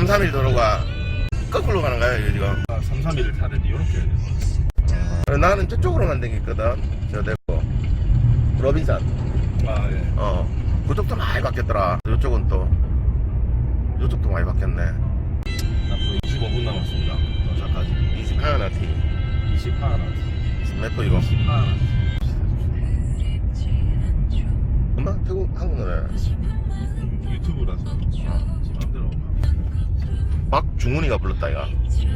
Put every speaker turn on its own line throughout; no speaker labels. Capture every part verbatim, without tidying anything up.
삼삼일 도로가 거꾸로 가는 거야 이거 지금.
아, 삼삼일을 타는데 이렇게 해야 돼.
어, 나는 저쪽으로만 댕겼거든. 저 대고 로빈산.
아 예.
어 그쪽도 많이 바뀌었더라. 이쪽은 또 이쪽도 많이 바뀌었네.
앞으로 이십오 분 남았습니다. 도착까지.
이십팔 나티.
이십팔 원.
몇 분 이거?
이십팔 원.
엄마 태국 한국 노래.
유튜브라서 지 맘대로.
박중훈이가 불렀다 이거.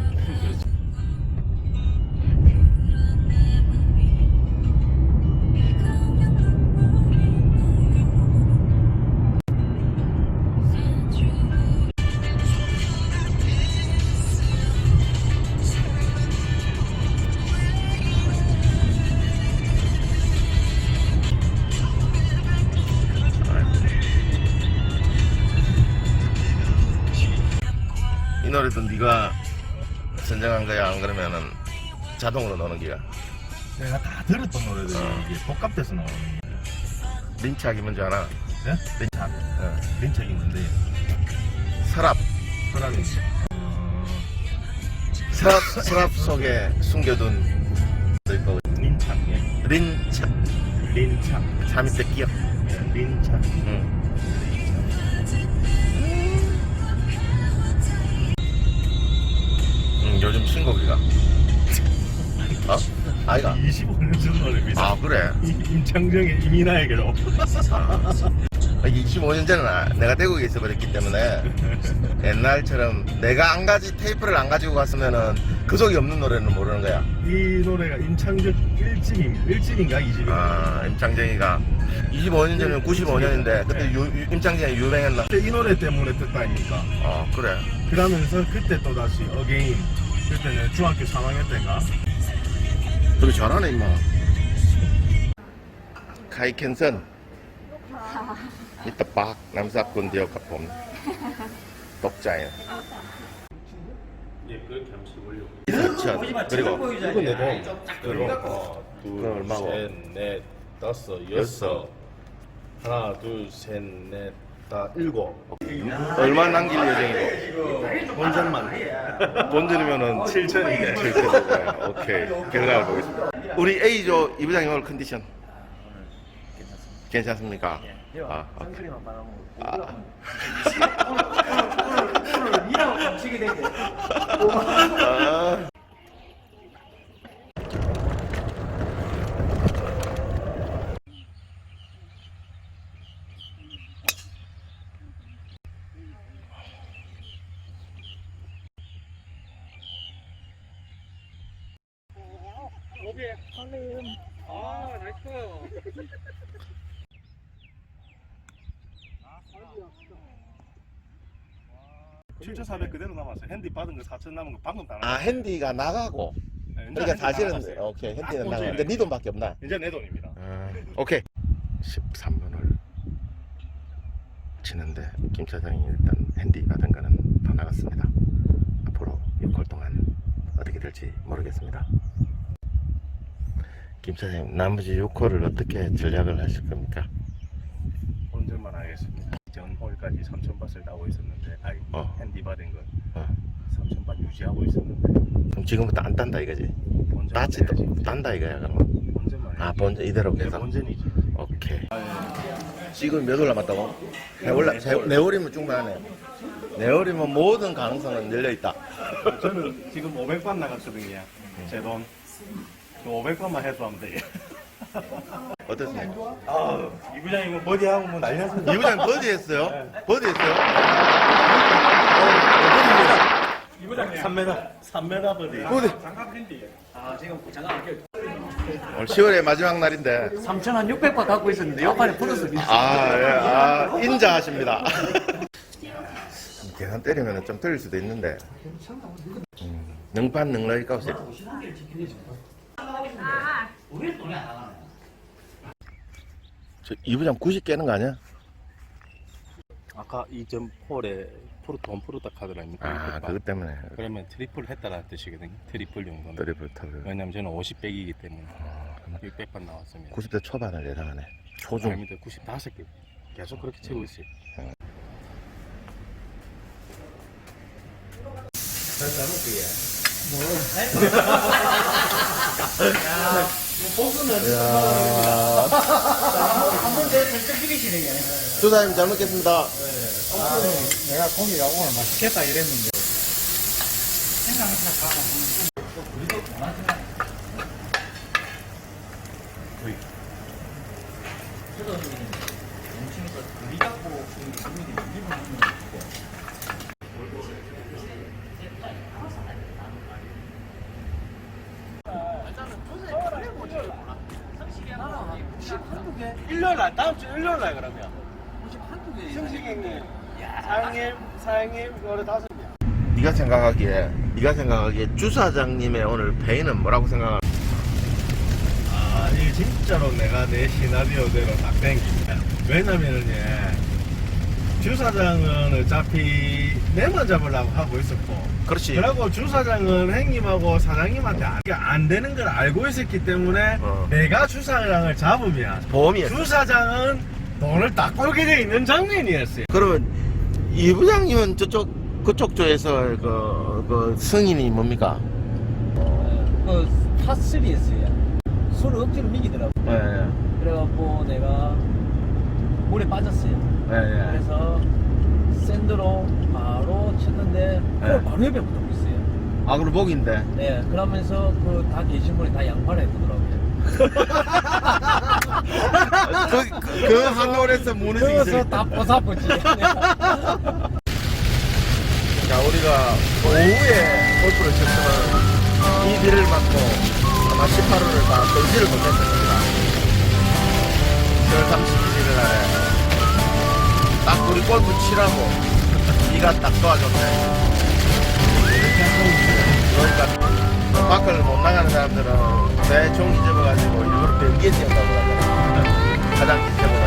이 노래도 네가 선정한 거야? 안 그러면은 자동으로 넣는 기야?
내가 다 들었던 노래들이
어.
이게 복합돼서 나오는 거예요.
린착이 뭔지 알아?
네? 린착.
어.
린착이 뭔데?
서랍.
서랍이. 어...
서랍, 서랍 속에 숨겨둔 또 있고.
린착. 예.
린착.
린착.
삼 밑에 끼어.
예. 린착.
응. 응, 요즘 신곡이가. 어? 아이가.
이십오 년 전 노래입니다.
아, 그래?
임창정의 이민아에게로.
아, 이십오 년 전에 나- 내가 태국에 있어버렸기 때문에 옛날처럼 내가 안 가지 테이프를 안 가지고 갔으면은 그 속이 없는 노래는 모르는 거야.
이 노래가 임창정 일 집임, 일 집인가 이 집인가?
아, 임창정이가 이십오 년 전이면 구십오 년인데 그때 유, 유- 임창정이 유명했나?
그때 이 노래 때문에 듣다니까.
어, 그래.
그러면서 그때 또 다시 어게인. 그때는 중학교 삼 학년 때인가?
되게 잘하네 임마. 카이켄선 이따 박 남사꾼 디어카폼 독자예요.
예, 그렇게 하면 시골요.
이천 그리고
이건 내 돈. 그리고 어,
그건
둘,
얼마고?
셋, 넷, 다섯,
여섯.
여섯. 하나, 둘, 셋, 넷, 다 일곱.
얼마 남길 예정이고?
본전만.
본전이면은
칠천인데.
칠천이네. 오케이. 결과를 보겠습니다. 우리 A조 이 부장님 오늘 컨디션 괜찮습니까? 아, 오케이. 아.
오늘 일하고 감치게 되게
아.
오케이 한님 아 나이스
칠천사백 그대로 남았어요. 핸디 받은 거 사천 남은 거 방금 다
아, 핸디가 나가고.
네, 이제
그러니까
핸디 다
사실은
나갔어요.
오케이 핸디는
딱
나가.
본전이네.
근데 네 돈밖에 없나?
이제 내 돈입니다.
아, 오케이. 십삼 분을 치는데 김 차장이 일단 핸디 받은 거는 다 나갔습니다. 앞으로 육 홀 동안 어떻게 될지 모르겠습니다. 김 차장님 나머지 육 홀을 어떻게 전략을 하실 겁니까?
본전만 하겠습니다. 전 홀까지 삼천 밭을 따고 있었는데, 아이
어.
핸디 받은 건
어.
삼천 밭 유지하고 있었는데.
그럼 지금부터 안 딴다 이거지?
본전
따지 딴다 이거야 그러면?
본전만.
아 본전 이대로
네,
계속?
본전이지.
오케이. 지금 몇 월 남았다고? 네 월, 네 월이면 충분하네. 네 월이면 모든 가능성은 열려있다.
저는 지금 오백 번 나갔거든요. 제 돈. 오백 번만 해도 하면 돼요.
어떻습니까?
아, 이 부장님은 버디하고 뭐 난리 났어.
이 부장 버디 했어요?
네.
버디 했어요? 어,
이 부장님
삼 미터. 삼 미터 버디.
버디. 버디.
장갑 핸디 아 지금 장갑 안 껴.
오늘 시월의 마지막 날인데.
삼천 한 육백 바 갖고 있었는데 옆판에 플러스
아, 예, 아, 인자하십니다. 계산 때리면 좀 틀릴 수도 있는데. 음, 능판 능러이 값이. 저이 부장 구십 깨는 거 아니야?
아까 이 점 폴에 프로 돈 프로다 카드 아닙니까?
아, 그것 때문에.
그러면 트리플 했다라는 뜻이거든요. 트리플 용도는.
드리블 탑을.
왜냐면 저는 오십 백이기 때문에
아,
육백 번 나왔습니다.
구십 대 초반을 예상하네. 초중.
아닙니다. 구십오 개. 계속 그렇게 치고 있어요.
이야.
한번 더 슬쩍 비리시네.
주사님 잘 먹겠습니다.
내가 고기가 오늘 맛있겠다 이랬는데.
일요일 날 다음 주 일요일 날 그러면 승식 형님 사장님 사장님 노래 다섯 개
네가 생각하기에 네가 생각하기에 주사장님의 오늘 페이는 뭐라고 생각하나?
아, 이 진짜로 내가 내 시나리오대로 딱 땡깁니다. 왜냐면은 예, 주사장은 어차피 내만 잡으려고 하고 있었고,
그렇지.
그리고 주사장은 형님하고 사장님한테 안, 안 되는 걸 알고 있었기 때문에
어.
내가 주사장을 잡으면
보험이었어.
주사장은 돈을 딱 벌게 돼 있는 장면이었어요.
그러면 이 부장님은 저쪽 그쪽 조에서 그, 그 승인이 뭡니까?
그 파스리였어요. 술을 억지로 미기더라고.
예, 예.
그래갖고 내가 물에 빠졌어요.
예, 예.
그래서 샌드로 바로 쳤는데
네.
바로 옆에 붙고 있어요.
아, 그럼 목인데.
네, 그러면서 그 다 계신 분이 다 양파를 해보더라고요.
그, 그, 그 한올에서 무너지기
그래서
전에.
다 보사보지.
자, 우리가 오후에 골프를 쳤으면 이 비를 맞고 아마 십팔 홀을 다 돌지를 못했을 겁니다. 시월 삼십일 일 날에 딱 우리 골프 치라고 비가 딱 도와줬네. 그러니까 밖을 못 나가는 사람들은 배 종이 접어가지고 일부러 변기에 뛰었다고 하잖아. 화장실 접어